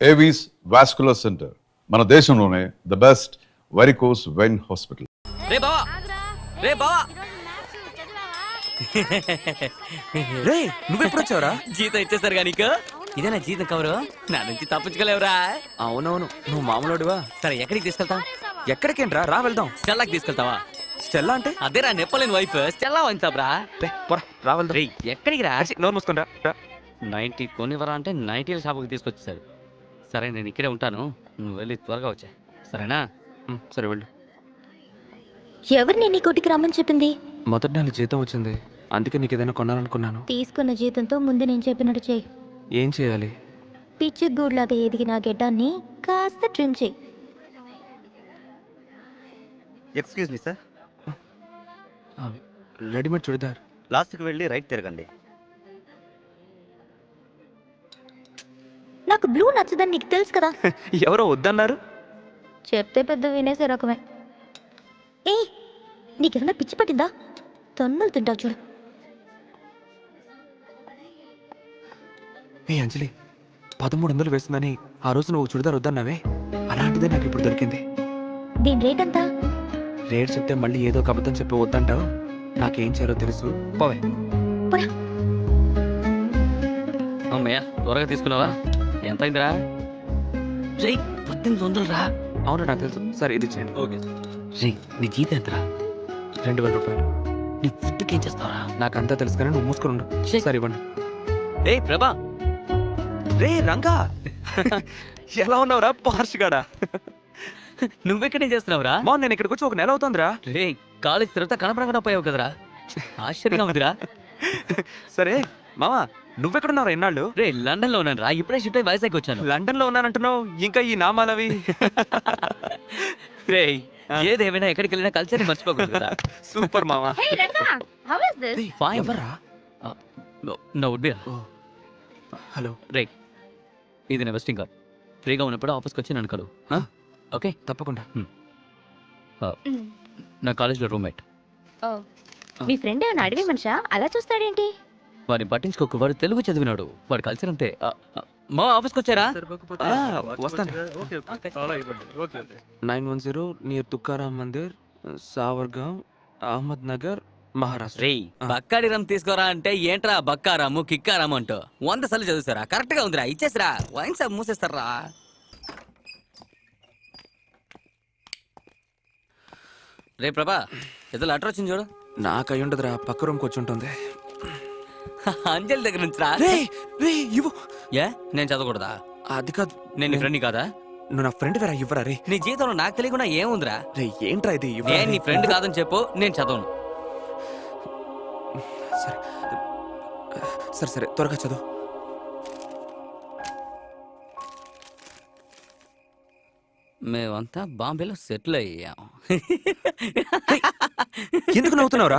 Avis vascular center, మన దేశంలోనే the best varicose vein hospital. రే బావా, రే బావా, రే నువ్వెప్పుడు వచ్చావురా? జీతం ఇచ్చేస్తారు కానీ నీకు ఇదేనా జీతం కవరు? నా నుంచి తప్పించుకోలేవురా. అవునవును, నువ్వు మామూలుడివా? సరే ఎక్కడికి తీసుకెళ్తా? ఎక్కడికేంట్రా, రా వెళ్దాం. స్టెల్లాకి తీసుకెళ్తావా? స్టెల్లా అంటే? అదేరా నెప్పలేని వైఫ్ స్టెల్లా వాయించాబ్రా. రా వెళ్దాం. రే ఎక్కడికి రా? నోరు మూసుకొని రా. 90 కొనివరా అంటే 90 షాపుకి తీసుకొచ్చేసాడు. సరే నేను ఇక్కడే ఉంటాను, నువ్వు వెళ్ళి త్వరగా వచ్చా, సరేనా? సరే వెళ్ళు. ఎవరిని నీ కొట్టుకి రమ్మని చెప్పింది? మొదటి నెల జీతం వచ్చింది, అందుకే నీకు ఏదైనా కొనాలనుకున్నాను. తీసుకున్న జీతంతో ముందు నేను చెప్పినట్టు చెయ్యి. ఏం చేయాలి? పిచ్చి గూడ్లాగా ఎదిగిన గెడ్డాన్ని కాస్త ట్రిమ్ చెయ్యి. Excuse me sir, readymade churidar. లాస్ట్కి వెళ్ళి రైట్ తిరగండి. నాకు బ్లూ నచ్చదని నీకు తెలుసు కదా. ఎవరో వద్దన్నారు. చెప్తే పెద్ద వినేసే రకమే. ఏ నీకేమన్నా పిచ్చి పట్టిందా? తన్నులు తింటావు చూడు. ఏ అంజలి, 1300 వేస్తుందని ఆ రోజు నువ్వు చుడిదార్ వద్దన్నావే, అలాంటిదే నాకు ఇప్పుడు దొరికింది. దీని రేట్ ఎంత? రేట్ చెప్తే మళ్ళీ ఏదో ఒక అబద్ధం చెప్పి వద్దంటావు. నాకేం చేయాలో తెలుసు, పోవే. పోరా. అమ్మయ్య త్వరగా తీసుకున్నావా? ఎంత అయిందిరా? 1800 రా. అవును నాకు తెలుసు. సరే ఇది చేయండి. ఓకే. రే నీ జీతం ఎంతరా? 2000 రూపాయలు. నీ ఫుడ్కి ఏం చేస్తావరా? నాకంతా తెలుసు కానీ నువ్వు మూసుకొని ఉండు. సరే ఇవ్వండి. ఏ ప్రభా, రే రంగా, ఎలా ఉన్నావురా పార్షిగాడా? నువ్వెక్కడేం చేస్తున్నావురా? మా నేను ఇక్కడికి వచ్చి 1 నెల అవుతుందిరా. రే కాలేజ్ తర్వాత కనపడకుండా పోయావు కదరా, ఆశ్చర్యంగా ఉందిరా. సరే మావా, నువ్వెక్కడున్నారా ఎన్నాళ్ళు? రే లండన్ లో ఉన్నాను రా, ఇప్పుడే షిఫ్ట్ అయ్యి వైజాగ్ వచ్చాను. లండన్ లో ఉన్నానంటున్నావు, ఇంకా ఈ నామాలవి. రే ఏదేమైనా ఎక్కడికి వెళ్ళినా కల్చర్ మర్చిపోకూడదు కదా. సూపర్ మావా. ఫైన్. ఎవర్రా? No would be. హలో. రే ఇది నా వెస్టింగ్ కార్డ్, ఫ్రీగా ఉన్నప్పుడు ఆఫీస్కి వచ్చి నన్ను కలువు. ఓకే తప్పకుండా. నా కాలేజ్లో రూమ్మేట్. మీ ఫ్రెండ్ ఏమైనా అడవి మనిషా? అలా చూస్తాడేంటి? వాడిని పట్టించుకోకు, వాడు తెలుగు చదివినాడు, వాడు కల్చర్ అంతే. మా ఆఫీస్కి వచ్చారా? వస్తాను. 910 నియర్ తుకారాం మందిర్, సావర్గాం, అహ్మద్ నగర్, మహారాష్ట్ర. రే బక్కాడి రమ్ తీసుకోరా అంటే ఏంట్రా బక్కారాము కిక్కారాము అంటూ 100 సార్లు చదువుతారా? కరెక్ట్ గా ఉందిరా, ఇచ్చేసిరా. Wine shop మూసేస్తారా? రే ప్రభా, ఏదో లెటర్ వచ్చింది చూడు. నాకు అయి ఉండదురా, పక్క రూమ్కి వచ్చి ఉంటుంది. అంజలి దగ్గర నుంచి రా. ఇవ్వు. ఏ నేను చదవకూడదా? అది కాదు, నేను నీ ఫ్రెండ్ కాదా? నువ్వు నా ఫ్రెండ్ వేరా, ఇవ్వరా. రే నీ జీవితంలో నాకు తెలియకుండా ఏముందిరా? రే ఏంట్రా ఇది? నేను నీ ఫ్రెండ్ కాదని చెప్పు, నేను చదవను. సరే సరే సరే, త్వరగా చదువు. మేమంతా బాంబేలో సెటిల్ అయ్యాం. ఎందుకు నవ్వుతున్నావురా?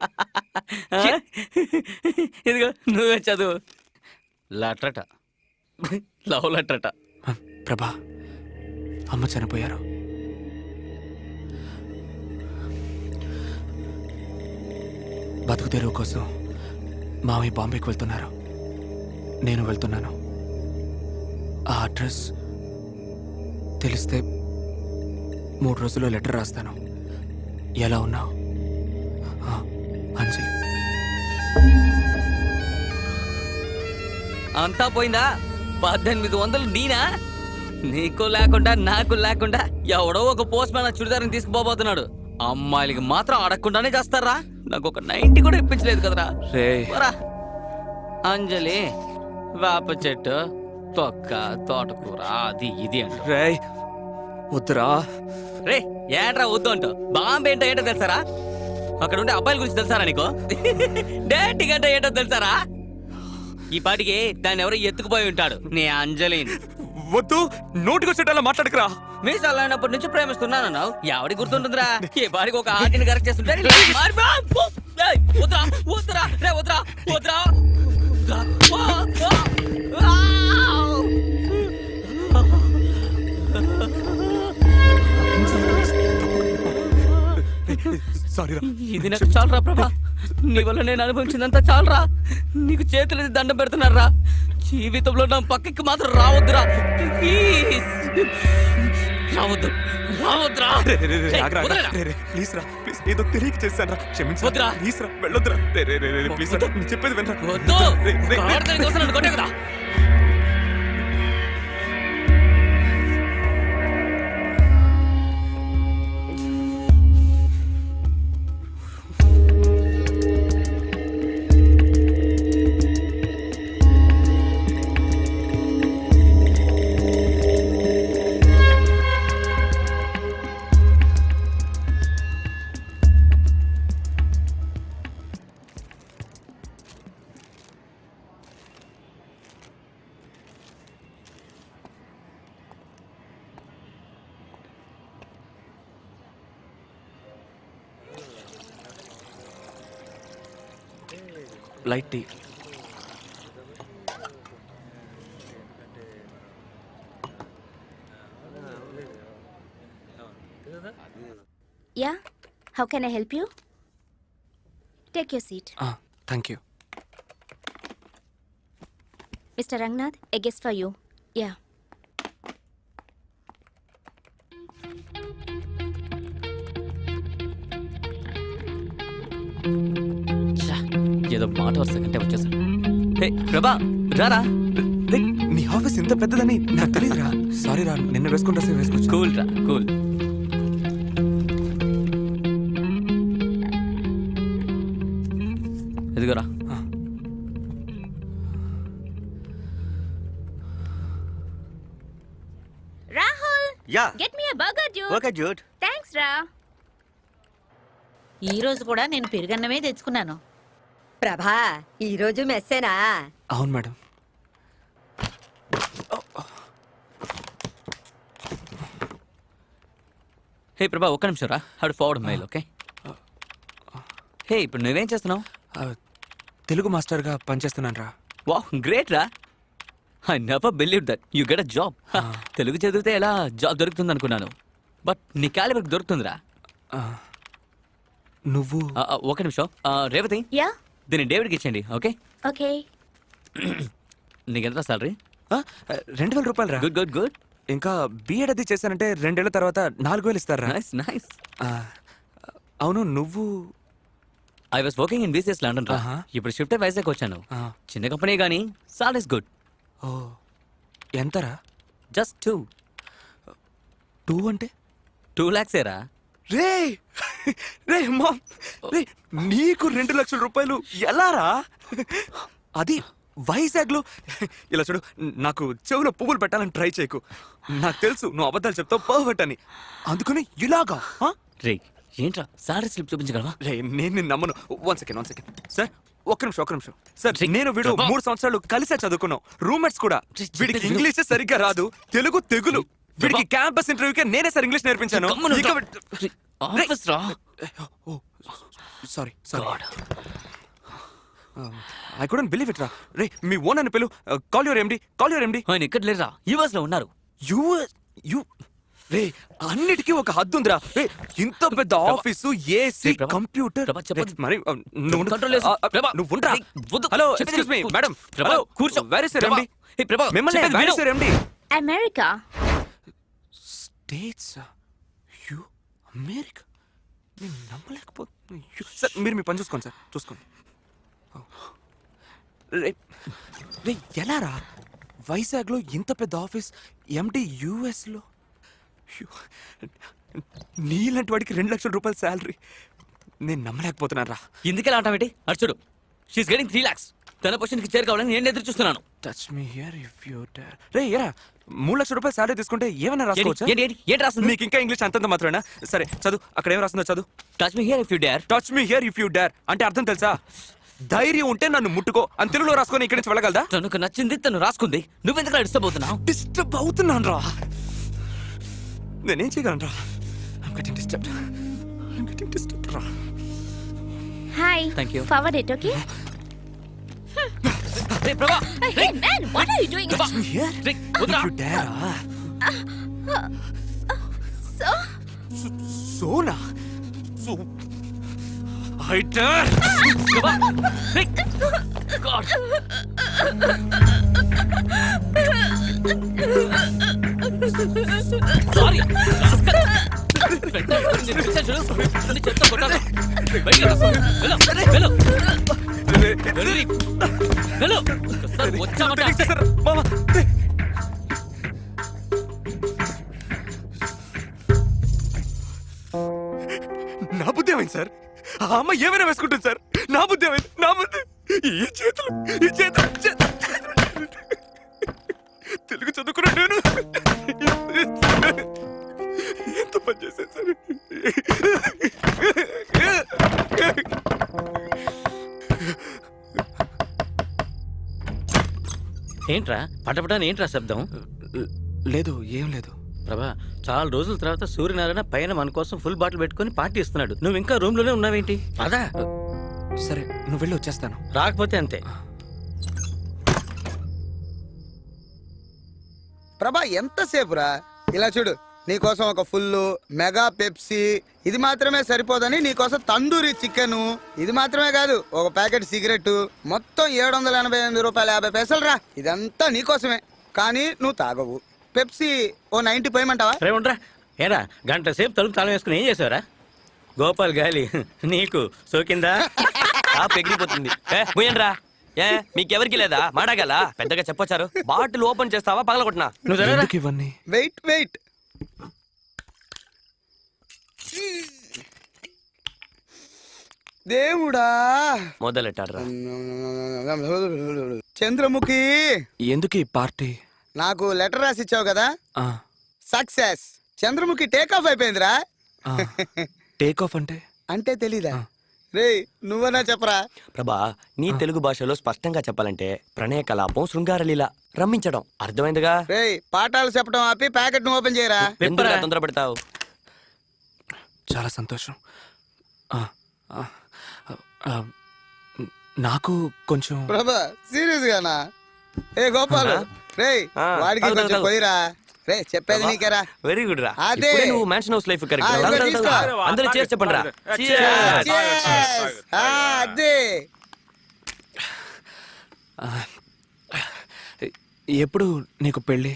ఇదిగో నువ్వే చదువు. లెటరట, లవ్ లెటరట. ప్రభా, అమ్మ చనిపోయారు. బతుకు తెరువు కోసం మామయ్య బాంబేకి వెళ్తున్నారు, నేను వెళ్తున్నాను. ఆ అడ్రస్ తెలిస్తే 3 రోజుల్లో లెటర్ రాస్తాను. ఎలా ఉన్నావు అంజలి? అంతా పోయిందా? 1800 నీనా? నీకు లేకుండా నాకు లేకుండా ఎవడో ఒక పోస్ట్ మ్యాన్ చుడిదారిని తీసుకుపోబోతున్నాడు. అమ్మాయిలకి మాత్రం అడగకుండానే చేస్తారా? నాకు ఒక 90 కూడా ఇప్పించలేదు కదరా. అంజలి వేప చెట్టు, తొక్క, తోటకూర, అది ఇది అంట. రే వద్దురా. రే ఏంట్రా వద్దు అంటూ? బాంబే ఏంటో ఏంటో తెలుసారా? అక్కడ ఉండే అబ్బాయిల గురించి తెలుసారా నీకు? డేటింగ్ అంటే ఏంటో తెలుసారా? ఈ పాటికి దాన్ని ఎవరో ఎత్తుకుపోయి ఉంటాడు, నీ అంజలిని. వద్దు, నోటికొచ్చేటలా మాట్లాడకురా. మీ చల్లైనప్పటి నుంచి ప్రేమిస్తున్నాను, ఎవడి గుర్తుంటుందిరా? ఏ పాటికి ఒక ఆర్టిని కరెక్ట్ చేస్తుంటే వద్దురా వద్దురా రే వద్దురా వద్దురా. ఇది నాకు చాలరా ప్రభా, నీ వల్ల నేను అనుభవించిందంతా చాలరా. నీకు చేతులది దండం పెడుతున్నారా? జీవితంలో నా పక్కకి మాత్రం రావద్దురా ప్లీజ్ రావద్దు రావద్దురా వదలరా. ప్లీజ్ రా ప్లీజ్ ఏదో తెలియక చేశాను రా క్షమించు వద్దురా. ప్లీజ్ రా వెళ్ళొద్దురా ప్లీజ్ రా నేను చెప్పేది వినరా వద్దు రే, రే, రే. ఆడదాని కోసం నన్ను కొట్టే కదా light tea. Yeah, how can I help you? Take your seat. Thank you. Mr. Rangnath, a guest for you. Yeah. ఏదో మాట వరుసకంటే వచ్చేసాను. హే ప్రభా రారా. రే, నీ ఆఫీస్ ఇంత పెద్దదని నాకు తెలియదురా సారీ రా నిన్న వేసుకుంటా వేసుకోవచ్చు కూల్ రా కూల్. ఎదుగురా. Rahul, yeah get me a burger, dude. Okay dude. Thanks, Ra. ఈ రోజు కూడా నేను పెరుగన్నమే తెచ్చుకున్నాను. ప్రభా ఈరోజు మెస్సేనా? అవును మేడం. హే ప్రభా ఒక్క నిమిషం రా. How forward mail okay. Hey ఇప్పుడు నువ్వేం చేస్తున్నావు? తెలుగు మాస్టర్గా పనిచేస్తున్నాను రా. వావ్ గ్రేట్ రా. I never believe that you get a job. Telugu చదివితే ఎలా జాబ్ దొరుకుతుంది అనుకున్నాను. బట్ నీ క్యాలిబర్కి దొరుకుతుందిరా. నువ్వు ఒక నిమిషం. రేవతి Yeah, దీన్ని డేవిడ్కి ఇచ్చేయండి ఓకే. okay. నీకెంత సాలరీ? 2,000 రూపాయలు రా. Good good good. ఇంకా బిఎడ్ అది చేశానంటే 2 ఏళ్ల తర్వాత 4,000 ఇస్తారా? Nice nice. అవును నువ్వు? I was working in BCS London రా. ఇప్పుడు షిఫ్ట్ వైజాగ్ వచ్చాను. చిన్న కంపెనీ కానీ సాలరీ ఇస్ గుడ్. ఓ ఎంతరా? జస్ట్ 2 అంటే 2 lakhs ఏరా. రే రే మామ్ రే నీకు 2 లక్షల రూపాయలు ఎలా రా? అది వైజాగ్ లో. ఇలా చూడు నాకు చెవులో పువ్వులు పెట్టాలని ట్రై చేయకు. నాకు తెలుసు నువ్వు అబద్ధాలు చెప్తావు పర్ఫెక్ట్ అని. అందుకని ఇలాగా రే ఏంట్రా సాలరీ స్లిప్ చూపించగలవా? రే నేను నిన్ను నమ్మను. 1 సెకండ్ సార్ ఒక్క నిమిషం సార్. రే, నేను వీడు ప్రభా. 3 సంవత్సరాలు కలిసే చదువుకున్నాం. రూమ్మేట్స్ కూడా. రే, వీడికి చెప్పేది ఇంగ్లీష్ సరిగ్గా రాదు, తెలుగు తెగులు. వీడికి ప్రభా. క్యాంపస్ ఇంటర్వ్యూకే నేనే సార్ ఇంగ్లీష్ నేర్పించాను. గమ్మున ఇక రా. ఆఫీస్ రా. Sorry God. I couldn't believe it రా. రే మీ ఓన్ అని పిలు. Call your MD. ఆయన ఇక్కడ లేరా, యూఎస్ లో ఉన్నారు. యు రే అన్నిటికీ ఒక హద్దు ఉందిరా. రే ఇంత పెద్ద ఆఫీసు, ఏసీ, రే, ప్రభా. కంప్యూటర్. ప్రభా, చెప్పొద్దు. మరి నువ్వు కంట్రోల్ చేసుకో. ప్రభా. నువ్వు ఉండరా. రే, వద్దు. హలో చెప్పేది ఎక్స్క్యూజ్ మీ విను. మేడం. ప్రభా, హలో కూర్చో. వేర్ ఇస్ యువర్ ప్రభా. ఎండి? హే, ప్రభా, మిమ్మల్ని చెప్పేది వేర్ విను. Is your MD? America. States U America. నేను నమ్మలేకపోతున్నా. సార్ మీరు మీ పని చూసుకోండి సార్, చూసుకోండి. రే రే ఎలా రా? వైజాగ్లో ఇంత పెద్ద ఆఫీస్, ఎండి యుఎస్లో. నీలాంటి వాడికి 2 లక్షల రూపాయల శాలరీ. నేను నమ్మలేకపోతున్నాను రా. ఎందుకెలా అంటావేంటి? అటు చూడు, షీఈస్ గెటింగ్ 3 lakhs. తన పొజిషన్కి చేరుకోవాలని నేను ఎదురు చూస్తున్నాను. Touch me here if you dare. రే ఏరా 3 లక్షల రూపాయల శాలరీ తీసుకుంటే ఏమైనా రాసుకోవచ్చా? ఏంటి రాస్తుంది? నీకు ఇంకా ఇంగ్లీష్ అంతంత మాత్రమేనా? సరే చదువు, అక్కడ ఏం రాస్తుందో చదువు. Touch me here if you dare. Touch me here if you dare అంటే అర్థం తెలుసా? ధైర్యం ఉంటే నన్ను ముట్టుకో అని తెలుగులో రాసుకొని ఇక్కడి నుంచి వెళ్ళగలదా? తనకు నచ్చింది తను రాసుకుంది, నువ్వెందుకు డిస్టర్బ్ అవుతున్నావు? డిస్టర్బ్ అవుతున్నాను రా. నేనేం చేయగలను రా? I'm getting disturbed రా. Hi. Thank you. Forward it, okay? రే ప్రభా, Hey, man, what are you doing? Touch me here రే if వదరా. you dare. So? సోనా సో I dare. ప్రభా, రే. God. సారీ చెప్తా కొట్టాను. బయటికి రా. వెళ్ళు, వెళ్ళు. వెళ్ళు. వెళ్ళు. ఒకసారి వచ్చామంటే మామా నా బుద్ధి ఏమైంది సార్? ఆ అమ్మ ఏమైనా వేసుకుంటుంది సార్. నా బుద్ధి ఏమైంది? నా బుద్ధి ఈ చేతులు తెలుగు చదువుకున్నా నేను ఎంత పని చేశాను సార్. ఏంట్రా పటపటాని ఏంట్రా శబ్దం? లేదు, ఏం లేదు. ప్రభా, చాలా రోజుల తర్వాత సూర్యనారాయణ పైన మన కోసం ఫుల్ బాటిల్ పెట్టుకుని పార్టీ ఇస్తున్నాడు. నువ్వు ఇంకా రూమ్ లోనే ఉన్నావేంటి? అదా సరే, నువ్వు వెళ్ళి వచ్చేస్తాను. రాకపోతే అంతే. ప్రభా ఎంతసేపురా? ఇలా చూడు, నీకోసం ఒక ఫుల్ మెగా పెప్సీ, ఇది మాత్రమే సరిపోదని నీకోసం తందూరి చికెన్, ఇది మాత్రమే కాదు ఒక ప్యాకెట్ సిగరెట్, మొత్తం 788 రూపాయల 50 పైసలు రా. ఇదంతా నీకోసమే, కానీ నువ్వు తాగవు. పెప్సీ ఓ 90 పోయమంటావా? రే ఉండరా. ఏరా గంట సేపు తలుపు తాళం వేసుకుని ఏం చేసావురా? గోపాల్ గాలి నీకు సోకిందా? ఎగిరిపోతుంది. పోయండ్రా. ఏ మీకెవరికి లేదా మాడగల పెద్దగా చెప్పొచ్చారు. బాటిల్ ఓపెన్ చేస్తావా పగలగొట్టినా? నువ్వు సరేరా? ఎందుకు ఇవన్నీ? వెయిట్ దేవుడా, మొదలెట్టాడ్రా. చంద్రముఖి, ఎందుకు ఈ పార్టీ? నాకు లెటర్ రాసి ఇచ్చావు కదా, ఆ, సక్సెస్. చంద్రముఖి టేక్ ఆఫ్ అయిపోయిందిరా. ఆ. టేక్ ఆఫ్ అంటే? అంటే తెలీదా? రే నువ్వనా చెప్పరా. ప్రభా, నీ తెలుగు భాషలో స్పష్టంగా చెప్పాలంటే ప్రణయ కలాపం, శృంగారలీల, రమ్మించడం. అర్థమైందిగా? రే పాఠాలు చెప్పడం ఆపి ప్యాకెట్ ను ఓపెన్ చేయరా. ఎందుకు తొందర పెడతావు? చాలా సంతోషం. ఆ, ఆ, ఆ, నాకు కొంచెం ప్రభా సీరియస్ గానా? ఏ గోపాల్, రే ఆ, వాడికి తాగు, కొంచెం తాగు. పోయిరా. రే చెప్పేది నీకేరా. వెరీ గుడ్ రా. అదే. ఇప్పుడే నువ్వు మ్యాన్షన్ హౌస్ లైఫ్ ఆ, ఇదిగో తీసుకో. అందరూ చేసి చెప్పండి రా. Cheers. ఆ, అదే. ఎప్పుడు నీకు పెళ్ళి?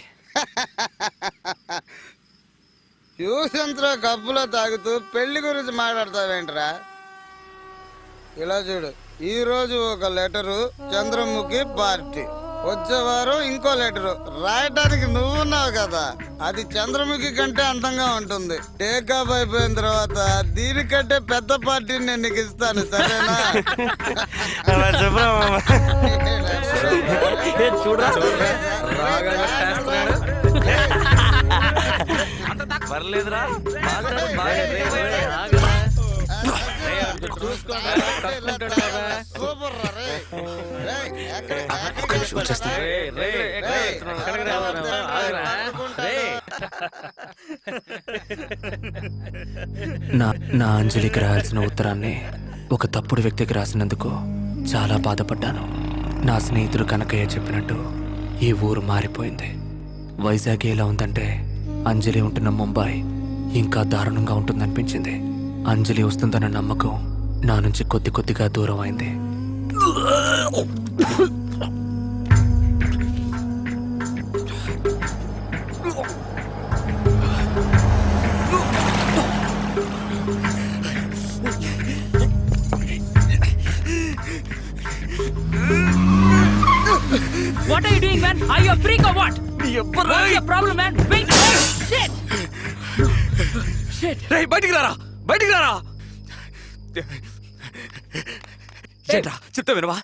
యూసంత్రో కప్పులో తాగుతూ పెళ్లి గురించి మాట్లాడతావేంట్రా? ఇలా చూడు, ఈ రోజు ఒక లెటరు, చంద్రముఖి పార్టీ. వచ్చే వారం ఇంకో లెటరు రాయటానికి నువ్వున్నావు కదా, అది చంద్రముఖి కంటే అందంగా ఉంటుంది. టేక్ ఆఫ్ అయిపోయిన తర్వాత దీనికంటే పెద్ద పార్టీని నేను నీకు ఇస్తాను, సరేనా? చూడరా పర్లేదురా. సూపర్ రా రే. రేయ్, ఎక్కడ ఒక నిమిషం వచ్చేస్తాను. నా అంజలికి రాయాల్సిన ఉత్తరాన్ని ఒక తప్పుడు వ్యక్తికి రాసినందుకు చాలా బాధపడ్డాను. నా స్నేహితుడు కనకయ్య చెప్పినట్టు ఈ ఊరు మారిపోయింది. వైజాగ్ ఎలా ఉందంటే అంజలి ఉంటున్న ముంబై ఇంకా దారుణంగా ఉంటుందనిపించింది. అంజలి వస్తుందన్న నమ్మకం నా నుంచి కొద్ది కొద్దిగా దూరం అయింది. What are you doing, man? Are you a freak or what? What's your problem, man? Wait! Shit! Shit! రే బయటికి రారా, బయటికి రారా. ఏంట్రా చెప్తా వినవా?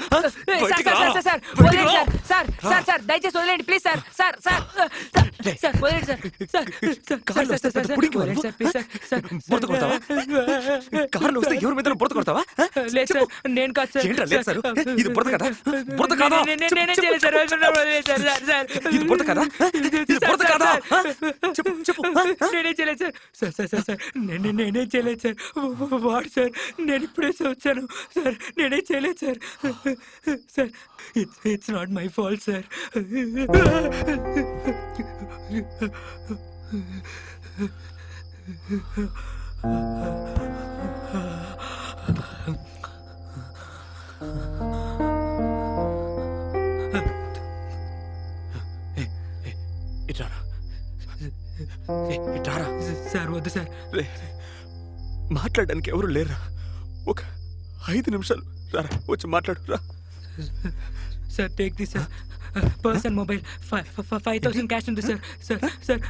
దయచేసి వదిలేండి ప్లీజ్ సార్. సార్ సార్ వదిలేండి సార్. కార్లో వస్తే పెద్ద పుడింగి వాడు. బురద కొడతావా? కార్లో వస్తే ఎవరి మీద బురద కొడతావా? లేదు సార్, నేను కాదు సార్. ఏంట్రా లేదు సార్? ఇది బురద కదా? బురద కాదా? నేనే చేయలేదు సార్. ఇది బురద కదా? ఇది బురద కాదా? చెప్పు చెప్పు. నేనే చేయలేదు సార్. సార్ నేనే చేయలేదు సార్. వాడు సార్, నేను ఇప్పుడే వచ్చాను సార్. నేనే చేయలేదు sir. Sir it's not my fault sir. రారా. సార్ వద్దు సార్. రే, మాట్లాడడానికి ఎవరు లేరా? ఒక 5 నిమిషాలు రారా, వచ్చి మాట్లాడు రా. Sir take this sir. Person mobile 5,000 cash ఉంది సార్. సార్ సార్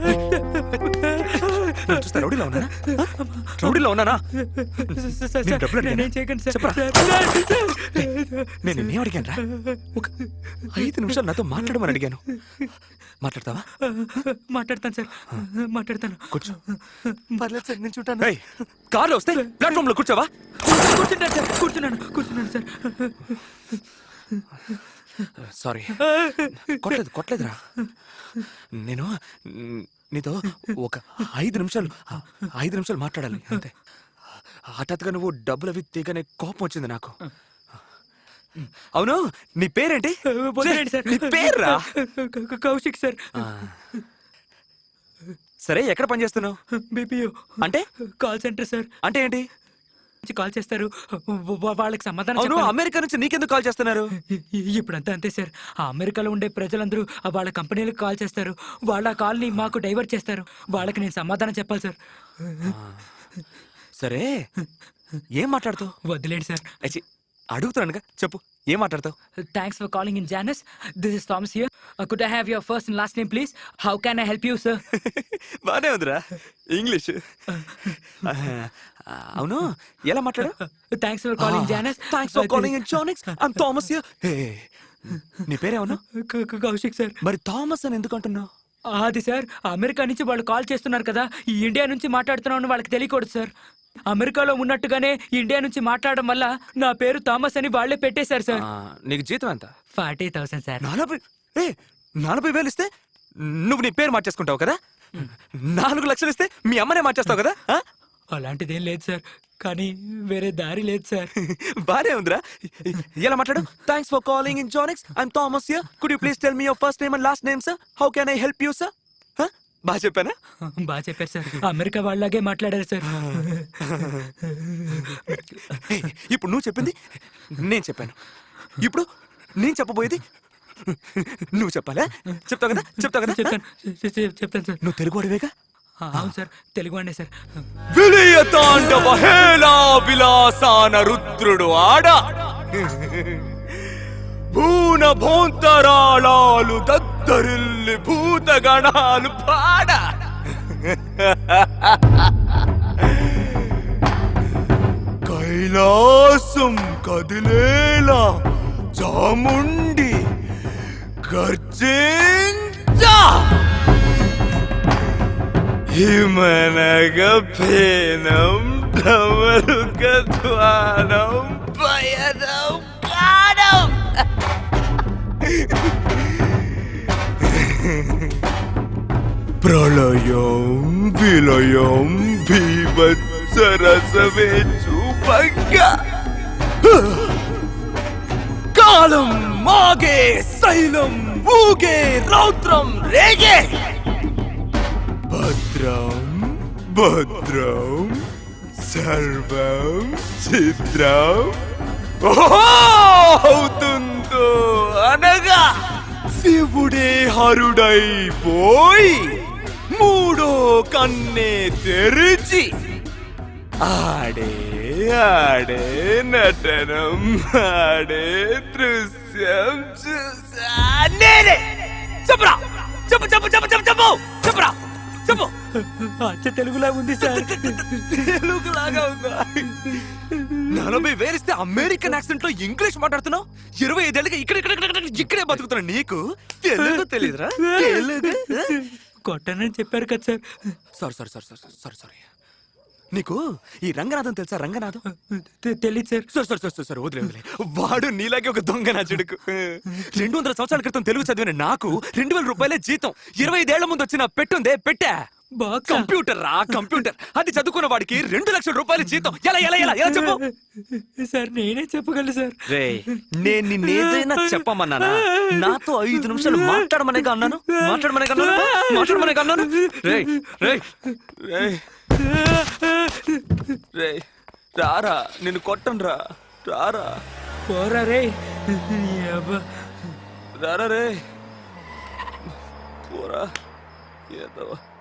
నన్ను చూస్తే రౌడీలో ఉన్నానా? రౌడీలో ఉన్నానా? నేను డబ్బులు అడిగానా? నేనేం చేయకండి సార్. చెప్పరా. నేను నిన్నేం అడిగాను రా? ఒక 5 నిమిషాలు నాతో మాట్లాడమని అడిగాను. మాట్లాడతావా? మాట్లాడతాను సార్, మాట్లాడతాను. కూర్చో. పర్లేదు సార్, నేను చూడాను. కార్లో వస్తే ప్లాట్ఫామ్ లో కూర్చోవా? కూర్చుంటాను సార్, కూర్చున్నాను సార్. సారీ. కొట్టలేదురా. నేను నీతో ఒక 5 నిమిషాలు మాట్లాడాలి అంతే. హఠాత్తుగా నువ్వు డబ్బులు అవి తీగనే కోపం వచ్చింది నాకు. అవును, నీ పేరేంటి? వదిలేండి సార్. నీ పేర్రా? కౌశిక్ సార్. సరే, ఎక్కడ పని చేస్తున్నావు? బీపీఓ అంటే కాల్ సెంటర్ సార్. అంటే ఏంటి? కాల్ చేస్తారు, వాళ్ళకి సమాధానం అవును, చెప్పాలి. అమెరికా నుంచి నీకెందుకు కాల్ చేస్తున్నారు? ఇప్పుడంతా అంతే సార్. ఆ అమెరికాలో ఉండే ప్రజలందరూ వాళ్ళ కంపెనీలకు కాల్ చేస్తారు. వాళ్ళ కాల్ని మాకు డైవర్ట్ చేస్తారు. వాళ్ళకి నేను సమాధానం చెప్పాలి సార్. సరే, ఏం మాట్లాడుతావు? వదిలేండి సార్. అడుగుతున్నానుగా, చెప్పు, ఏం మాట్లాడతావు? Thanks for calling in Janus. This is Thomas here. Could I have your first and last name please? How can I help you sir? బానే ఉందిరా ఇంగ్లీష్. అవును, ఎలా మాట్లాడు? Thanks for calling Janus. Thanks for calling in Janus. I'm Thomas here. నీ పేరేమన్నా? Kaushik sir. మరి Thomas అని ఎందుకు అంటున్నావు? అది సార్, అమెరికా నుంచి వాళ్ళు కాల్ చేస్తున్నారు కదా, ఈ ఇండియా నుంచి మాట్లాడుతున్నామని వాళ్ళకి తెలియకూడదు సార్. అమెరికాలో ఉన్నట్టుగానే ఇండియా నుంచి మాట్లాడడం వల్ల నా పేరు థామస్ అని వాళ్ళే పెట్టేశారు సార్. నీకు జీతం ఎంత? 40,000 సార్. 40,000 ఇస్తే నువ్వు నీ పేరు మార్చేసుకుంటావు కదా? 4 లక్షలు ఇస్తే మీ అమ్మనే మార్చేస్తావు కదా? అలాంటిదేం లేదు సార్, కానీ వేరే దారి లేదు సార్. బానే ఉందిరా. ఎలా మాట్లాడు? Thanks for calling in Janix. I'm Thomas here. Could you please tell me your first name and last name sir? How can I help you sir? బాగా చెప్పానా? బాగా చెప్పారు సార్. అమెరికా వాళ్ళలాగే మాట్లాడారు సార్. ఇప్పుడు నువ్వు చెప్పింది నేను చెప్పాను. ఇప్పుడు నేను చెప్పబోయేది నువ్వు చెప్పాలా? చెప్తావు కదా? చెప్తాను సార్. నువ్వు తెలుగు వాడివేగా? అవును సార్, తెలుగు అండి సార్. విలయ తాండవ హేళా విలాసాన రుద్రుడు ఆడ భూన భోంతరాళాలు దద్దరిల్లి భూతగణాలు పాడ కైలాసం కదిలేలా చాముండి గర్జించా హిమనగ ఫేనం ధమరుకధ్వానం పయనం కాడం ప్రళయం విలయం భీభత్సరసమే చూపంగ కాలం మాగే శైలం ఊగే రౌద్రం రేగే భద్రం భద్రం సర్వం చిత్రం అవుతుందో అనగా శివుడే హరుడైపోయి మూడో కన్నే తెరిచి ఆడే ఆడే నటనం ఆడే దృశ్యం చూసా నేనే. చెప్పరా, చెప్పు చెప్పు చెప్పు చెప్పు చెప్పు చెప్పరా, చెప్పు. అచ్చ తెలుగులా ఉంది సార్. తెలుగులాగా ఉందా? 40,000 ఇస్తే అమెరికన్ యాక్సెంట్ లో ఇంగ్లీష్ మాట్లాడుతున్నావు. 25 ఏళ్ళకి ఇక్కడే బతుకుతున్నా. నీకు తెలుగు తెలీదురా? తెలుగు కొట్టనని చెప్పారు కదా సార్. సారీ. నీకు ఈ రంగనాథం తెలుసా? రంగనాథం తెలీదు సార్. సరే వదిలే. వాడు నీలాగే ఒక దొంగ నా చెడుకు. 200 సంవత్సరాల క్రితం తెలుగు చదివిన నాకు 2,000 రూపాయలే జీతం. 25 ఏళ్ల ముందు వచ్చిన పెట్టుందే పెట్టా. కంప్యూటర్ రా, కంప్యూటర్. అది చదువుకున్న వాడికి 2 లక్షల రూపాయల జీతం. ఎలా ఎలా ఎలా ఎలా చెప్పు సార్. నేనే చెప్పగలను సార్. రే, నేను నిన్నేదైనా చెప్పమన్నానా? నాతో 5 నిమిషాలు మాట్లాడమనేగా అన్నాను. రే రారా, నిన్ను కొట్టను రా. రారా పోరా రే. రారా రే పోరా. ఏదో